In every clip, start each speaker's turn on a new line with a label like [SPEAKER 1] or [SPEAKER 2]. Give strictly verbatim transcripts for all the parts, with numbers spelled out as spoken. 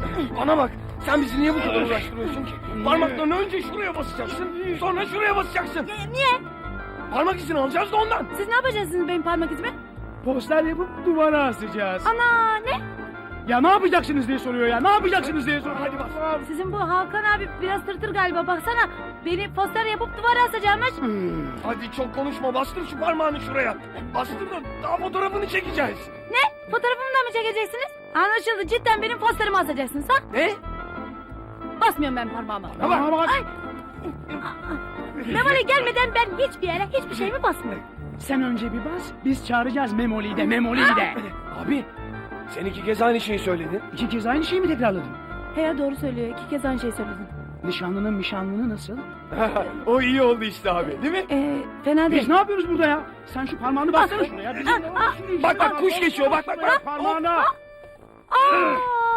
[SPEAKER 1] Bana bak, sen bizi niye bu kadar uğraştırıyorsun ki? Parmaklarını önce şuraya basacaksın, sonra şuraya basacaksın.
[SPEAKER 2] Niye?
[SPEAKER 1] Parmak izini alacağız da ondan.
[SPEAKER 2] Siz ne yapacaksınız benim parmak izimi?
[SPEAKER 3] Poster yapıp duvara asacağız.
[SPEAKER 2] Ana ne?
[SPEAKER 3] Ya ne yapacaksınız diye soruyor ya. Ne yapacaksınız diye soruyor.
[SPEAKER 1] Hadi bas.
[SPEAKER 2] Sizin bu Hakan abi biraz tırtır galiba, baksana. Beni poster yapıp duvara asacakmış.
[SPEAKER 1] Hadi çok konuşma, bastır şu parmağını şuraya. Bastır da daha fotoğrafını çekeceğiz.
[SPEAKER 2] Ne? Fotoğrafımı da mı çekeceksiniz? Anlaşıldı, cidden benim posterimi asacaksınız ha?
[SPEAKER 1] Ne?
[SPEAKER 2] Basmıyorum ben parmağıma.
[SPEAKER 3] Tamam bak.
[SPEAKER 2] Ay. Memoli gelmeden ben hiçbir yere hiçbir şeyimi basmıyorum.
[SPEAKER 3] Sen önce bir bas. Biz çağıracağız Memoli'yi de Memoli'yi de.
[SPEAKER 1] Abi, sen iki kez aynı şeyi söyledin.
[SPEAKER 3] İki kez aynı şeyi mi tekrarladın?
[SPEAKER 2] He ya, doğru söylüyor. İki kez aynı şeyi söyledin.
[SPEAKER 3] Nişanlının nişanlını nasıl?
[SPEAKER 1] O iyi oldu işte abi, değil mi?
[SPEAKER 2] Ee, fena değil.
[SPEAKER 3] Biz ne yapıyoruz burada ya? Sen şu parmağını bassana şuraya. Bizim ne var? Şuraya,
[SPEAKER 1] Bak bak,
[SPEAKER 3] şuraya.
[SPEAKER 1] kuş geçiyor, bak bak bak.
[SPEAKER 3] Parmağına.
[SPEAKER 2] Aa!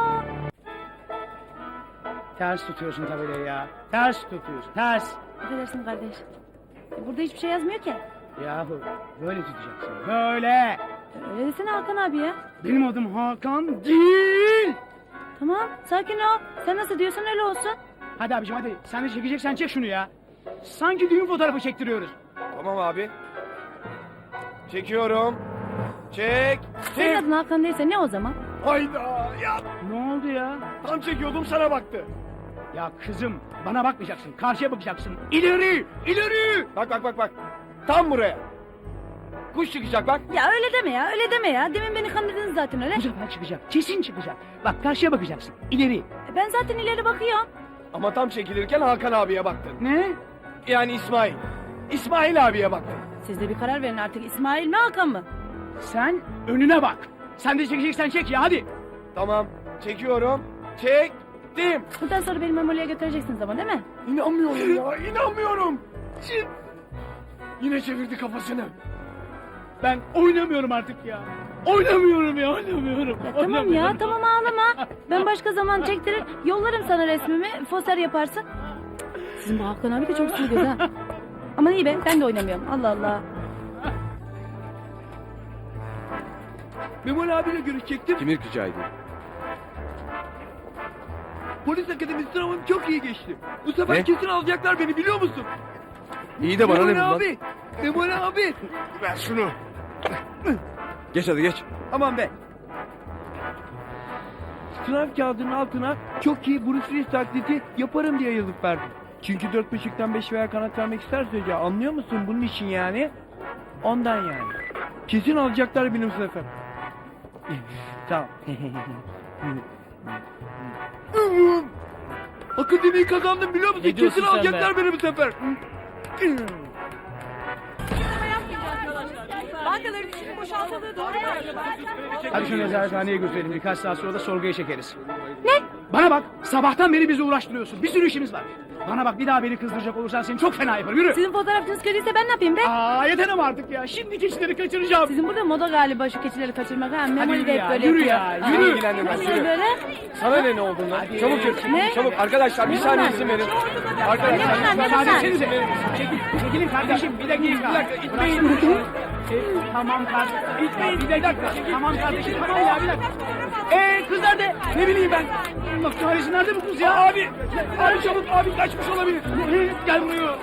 [SPEAKER 3] Ters tutuyorsun tabelayı ya. Ters tutuyorsun. Ters.
[SPEAKER 2] Affedersin kardeş. E, Burada hiçbir şey yazmıyor ki.
[SPEAKER 3] Yahu böyle tutacaksın. Böyle.
[SPEAKER 2] Öyle desene Hakan abi ya.
[SPEAKER 3] Benim adım Hakan değil.
[SPEAKER 2] Tamam, sakin ol. Sen nasıl diyorsan öyle olsun.
[SPEAKER 3] Hadi abicim hadi. Sen de çekeceksen çek şunu ya. Sanki düğün fotoğrafı çektiriyoruz.
[SPEAKER 1] Tamam abi. Çekiyorum. Çek.
[SPEAKER 2] Senin
[SPEAKER 1] Çek.
[SPEAKER 2] adın Hakan değilse ne o zaman?
[SPEAKER 1] Hayda ya.
[SPEAKER 3] Ne oldu ya?
[SPEAKER 1] Tam çekiyordum, sana baktı.
[SPEAKER 3] Ya kızım bana bakmayacaksın. Karşıya bakacaksın. İleri! İleri!
[SPEAKER 1] Bak bak bak bak. Tam buraya. Kuş çıkacak bak.
[SPEAKER 2] Ya öyle deme ya, öyle deme ya. Demin beni kandırdınız zaten öyle.
[SPEAKER 3] Bu sefer çıkacak. Kesin çıkacak. Bak karşıya bakacaksın. İleri.
[SPEAKER 2] E, Ben zaten ileri bakıyorum.
[SPEAKER 1] Ama tam çekilirken Hakan abiye baktın.
[SPEAKER 3] Ne?
[SPEAKER 1] Yani İsmail. İsmail abiye baktın.
[SPEAKER 2] Siz de bir karar verin artık. İsmail mi Hakan mı?
[SPEAKER 3] Sen önüne bak. Sen de çekeceksen çek ya hadi.
[SPEAKER 1] Tamam. Çekiyorum. Çektim.
[SPEAKER 2] Bundan sonra beni Memoli'ye götüreceksiniz ama değil mi?
[SPEAKER 1] İnanmıyorum ya. İnanmıyorum. Çin. Yine çevirdi kafasını.
[SPEAKER 3] Ben oynamıyorum artık ya. Oynamıyorum ya oynamıyorum.
[SPEAKER 2] Ya tamam ya,
[SPEAKER 3] Oynamıyorum.
[SPEAKER 2] tamam ağlama. Ben başka zaman çektirir, yollarım sana resmimi, poster yaparsın. Sizin bu Hakan abi de çok sürgüz ha. Aman iyi be, ben de oynamıyorum. Allah Allah.
[SPEAKER 4] Memoli abiyle görüşecektim.
[SPEAKER 1] Kimi rica ediyor?
[SPEAKER 4] Polis akademisi sınavım çok iyi geçti. Bu sefer
[SPEAKER 1] Ne?
[SPEAKER 4] kesin alacaklar beni, biliyor musun?
[SPEAKER 1] İyi de bana ne
[SPEAKER 4] Memoli
[SPEAKER 1] bundan?
[SPEAKER 4] abi. Memoli abi.
[SPEAKER 1] Ver şunu. Geç hadi geç.
[SPEAKER 4] Aman be. Sınav kağıdının altına çok iyi Bruce Willis taklidi yaparım diye yazıp verdim. Çünkü dört buçuktan beş veya kanat vermek isterse hoca, anlıyor musun bunun için yani? Ondan yani. Kesin alacaklar benim bu sefer. Tamam. Akademiyi kazandım, biliyor musun?
[SPEAKER 3] Ne diyorsun
[SPEAKER 4] Kesin
[SPEAKER 3] sen
[SPEAKER 4] alacaklar beni bu sefer.
[SPEAKER 5] Bankaların içinin boşaltıldığı doğru mu acaba?
[SPEAKER 3] Hadi şunu nezarethaneye götürelim. Birkaç saat sonra da sorguya çekeriz. Ne? Bana bak. Sabahtan beri bizi uğraştırıyorsun. Bir sürü işimiz var. Bana bak, bir daha beni kızdıracak olursan seni çok fena yaparım. Yürü.
[SPEAKER 2] Sizin fotoğrafınız kötüyse ben ne yapayım be?
[SPEAKER 3] Aa yeter ama artık ya. Şimdi keçileri kaçıracağım.
[SPEAKER 2] Sizin burada moda galiba şu keçileri kaçırmak ha. Memoli
[SPEAKER 3] yürü
[SPEAKER 2] de hep
[SPEAKER 3] ya,
[SPEAKER 2] böyle
[SPEAKER 3] yürü
[SPEAKER 2] yapıyor.
[SPEAKER 3] ya,
[SPEAKER 2] Ha.
[SPEAKER 3] yürü.
[SPEAKER 1] İlgilendirmez,
[SPEAKER 2] Nasıl
[SPEAKER 1] yürü.
[SPEAKER 2] böyle?
[SPEAKER 1] Sana ne ne olduğundan? Çabuk yürü.
[SPEAKER 2] Ne?
[SPEAKER 1] Çabuk arkadaşlar, bir
[SPEAKER 2] Ne
[SPEAKER 1] saniye
[SPEAKER 2] bunlar?
[SPEAKER 1] izin verin.
[SPEAKER 2] Ne
[SPEAKER 1] Arkadaşlar
[SPEAKER 2] bunlar, ne bunlar?
[SPEAKER 3] Kardeşinize. Çekil, çekilin kardeşim. Bir dakika.
[SPEAKER 1] Bir dakika, itmeyin.
[SPEAKER 3] E, tamam kardeşim. İtmeyin. Bir dakika. Tamam kardeşim. Tamam ya bir dakika. Eee kız nerede? Ne bileyim ben. Bak kahretsin, nerede bu kız ya?
[SPEAKER 1] Abi, abi çabuk, abi kaçmış olabilir.
[SPEAKER 3] Ee, Gel buraya.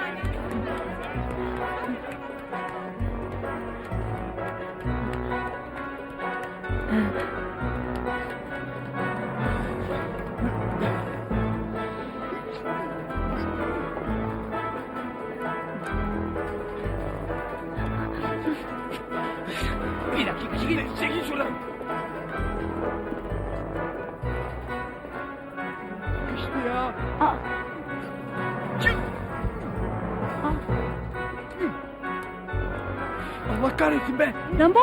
[SPEAKER 3] Bir dakika. Çekil.
[SPEAKER 1] Çekil şuradan.
[SPEAKER 4] İşte ya.
[SPEAKER 2] Aa.
[SPEAKER 1] Çık.
[SPEAKER 2] Aa.
[SPEAKER 4] Allah kahretsin be.
[SPEAKER 2] Rambo?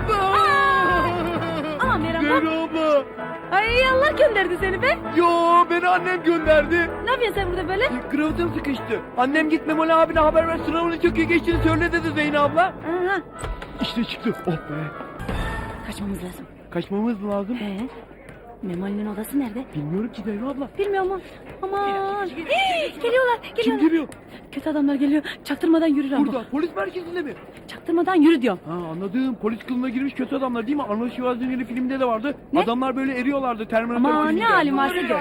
[SPEAKER 2] Aman be Rambo.
[SPEAKER 4] Zeyno abla.
[SPEAKER 2] Ay Allah gönderdi seni be.
[SPEAKER 4] Yo, beni annem gönderdi.
[SPEAKER 2] Ne yapıyorsun sen burada böyle?
[SPEAKER 4] Kravatım sıkıştı. Annem git Memoli abine haber ver, sınavını çok iyi geçtiğini söyle dedi Zeyno abla.
[SPEAKER 2] Aha.
[SPEAKER 4] İşte çıktı. Oh be.
[SPEAKER 2] Kaçmamız lazım.
[SPEAKER 4] Kaçmamız lazım.
[SPEAKER 2] Ee? Memoli'nin odası nerede?
[SPEAKER 4] Bilmiyorum ki Zehra abla.
[SPEAKER 2] Bilmiyor mu? Aman. Hii, geliyorlar,
[SPEAKER 4] Kim
[SPEAKER 2] geliyorlar.
[SPEAKER 4] geliyor?
[SPEAKER 2] Kötü adamlar geliyor. Çaktırmadan yürü Rambo.
[SPEAKER 4] Burada polis merkezinde mi?
[SPEAKER 2] Çaktırmadan yürü diyorum.
[SPEAKER 4] Ha anladım. Polis kılığına girmiş kötü adamlar değil mi? Arnold Schwarzenegger'in filminde de vardı.
[SPEAKER 2] Ne?
[SPEAKER 4] Adamlar böyle eriyorlardı Terminator
[SPEAKER 2] Aman
[SPEAKER 4] filminde.
[SPEAKER 2] ne halim varsa gör.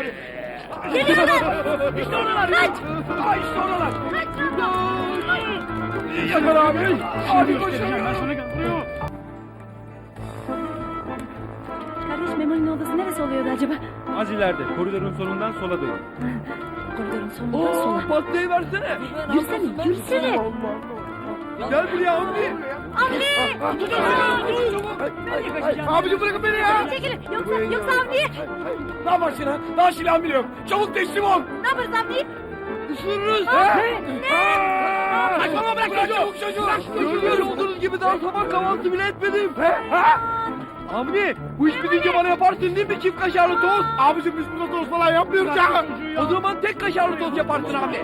[SPEAKER 3] İşte oradalar.
[SPEAKER 2] Kaç!
[SPEAKER 3] Ay işte oradalar.
[SPEAKER 1] Yakar abi. Abi
[SPEAKER 3] Şimdi
[SPEAKER 1] koşun.
[SPEAKER 3] göstereceğim ben sana gel.
[SPEAKER 2] Kardeş Memoli'nin odası neresi oluyordu acaba?
[SPEAKER 6] Az ileride, koridorun sonundan sola dönün.
[SPEAKER 2] Koridorun sonundan
[SPEAKER 4] Oo
[SPEAKER 2] sola.
[SPEAKER 4] pastayı versene.
[SPEAKER 2] Yürüsene, yürüsene.
[SPEAKER 4] Gel buraya Avni.
[SPEAKER 1] Abicim bırakın beni ya.
[SPEAKER 2] Çekilin. Yoksa, yoksa Avni'ye.
[SPEAKER 1] Ne yaparsın ha? Daha silahım bile yok. Çabuk teslim ol.
[SPEAKER 2] Ne yaparız Avni'yi?
[SPEAKER 1] Isırırız. Kaçmama bırak çocuğu. Çabuk çocuğu.
[SPEAKER 4] Görmüş olduğunuz gibi daha sabah kahvaltı bile etmedim. Avni bu iş bitince bana yaparsın değil mi çift kaşarlı tost?
[SPEAKER 1] Abicim biz burada tost falan yapmıyoruz ya.
[SPEAKER 4] O zaman tek kaşarlı tost yaparsın abi.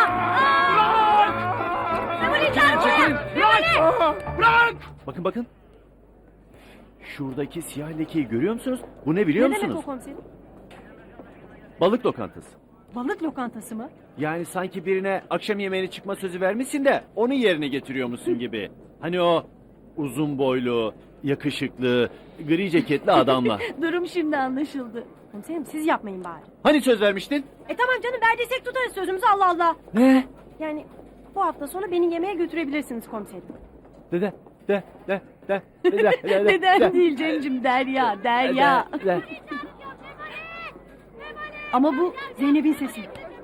[SPEAKER 2] Memoli çarpma.
[SPEAKER 1] Bırak.
[SPEAKER 6] Bakın bakın. Şuradaki siyah lekeyi görüyor musunuz? Bu ne biliyor
[SPEAKER 5] Ne demek
[SPEAKER 6] musunuz?
[SPEAKER 5] o komiserim?
[SPEAKER 6] Balık lokantası.
[SPEAKER 5] Balık lokantası mı?
[SPEAKER 6] Yani sanki birine akşam yemeğine çıkma sözü vermişsin de onu yerine getiriyormuşsun gibi. Hani o uzun boylu, yakışıklı, gri ceketli adamla.
[SPEAKER 2] Durum şimdi anlaşıldı.
[SPEAKER 5] Komiserim siz yapmayın bari.
[SPEAKER 6] Hani söz vermiştin?
[SPEAKER 5] E tamam canım verdiysek tutarız sözümüzü Allah Allah.
[SPEAKER 6] Ne?
[SPEAKER 5] Yani bu hafta sonu beni yemeğe götürebilirsiniz komiserim.
[SPEAKER 6] De de de de de de de de de
[SPEAKER 2] Neden
[SPEAKER 6] de.
[SPEAKER 2] değil Cem'cim Derya, Derya.
[SPEAKER 6] De, de.
[SPEAKER 2] Ama bu Zeynep'in sesi.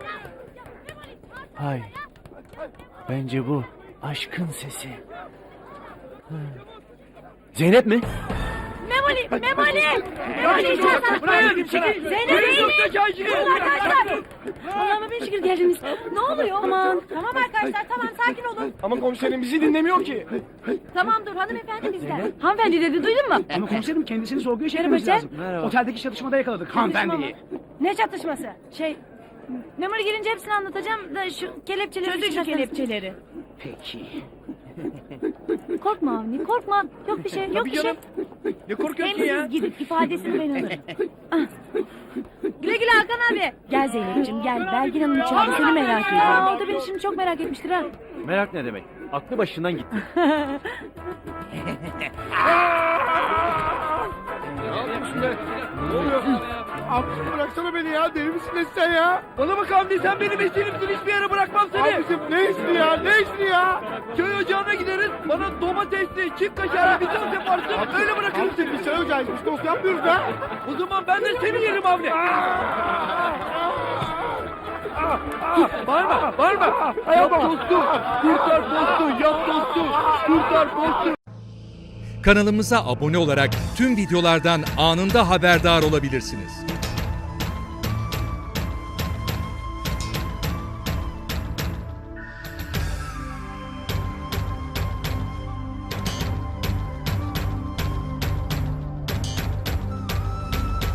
[SPEAKER 6] Hayır. Bence bu aşkın sesi. Hı. Zeynep mi?
[SPEAKER 2] Memoli, Memoli! Memoli içersen.
[SPEAKER 3] Bırakın çekil.
[SPEAKER 2] Zeynep
[SPEAKER 4] Çok
[SPEAKER 2] değil.
[SPEAKER 4] da şaşırın.
[SPEAKER 2] Arkadaşlar. Allah'ıma bin şükür geldiniz. Ne oluyor? Aman.
[SPEAKER 5] Tamam arkadaşlar tamam sakin olun.
[SPEAKER 1] Ama komiserim bizi dinlemiyor ki.
[SPEAKER 5] Tamam dur hanımefendi bizden.
[SPEAKER 2] Hanımefendi dedi duydun mu?
[SPEAKER 3] Ama komiserim kendisini sorguya çekmemiz
[SPEAKER 2] Merhaba,
[SPEAKER 3] lazım.
[SPEAKER 6] Merhaba.
[SPEAKER 3] Oteldeki çatışmada yakaladık hanımefendiyi.
[SPEAKER 5] Ne çatışması?
[SPEAKER 2] Şey, Memoli gelince hepsini anlatacağım da şu kelepçeleri...
[SPEAKER 5] Çözün şu kelepçeleri.
[SPEAKER 3] Peki.
[SPEAKER 2] Korkma Avni, korkma. Yok bir şey, yok
[SPEAKER 4] Tabii
[SPEAKER 2] bir şey.
[SPEAKER 4] canım. Ne korkuyorsun
[SPEAKER 2] Hem
[SPEAKER 4] ya?
[SPEAKER 2] siz gidip ifadesini ben alırım. Ah. Güle güle Hakan abi. Gel Zeynep'ciğim gel. Belgin Hanım içeride seni merak ediyor. Aa, o da beni şimdi çok merak etmiştir ha.
[SPEAKER 6] Merak ne demek? Aklı başından gitti.
[SPEAKER 1] Ne yapıyorsun be? Ne oluyor? Abicim bıraksana beni ya. Deli misin ne sen ya?
[SPEAKER 4] Bana bak Avni sen benim eserimsin hiçbir yere bırakmam seni.
[SPEAKER 1] Abicim ne ismi ya? Ne ismi ya?
[SPEAKER 4] Köy ocağına gideriz. Bana domatesli çift kaşarlı bir tost yaparsın. Öyle bırakırım
[SPEAKER 1] Abicim
[SPEAKER 4] seni.
[SPEAKER 1] biz çay ocağıyız. Biz tost yapmıyoruz ha.
[SPEAKER 4] O zaman ben de seni yerim Avni. Bağırma, bağırma. Yap tostu, kurtar postu, yap tostu, kurtar postu.
[SPEAKER 7] Kanalımıza abone olarak tüm videolardan anında haberdar olabilirsiniz.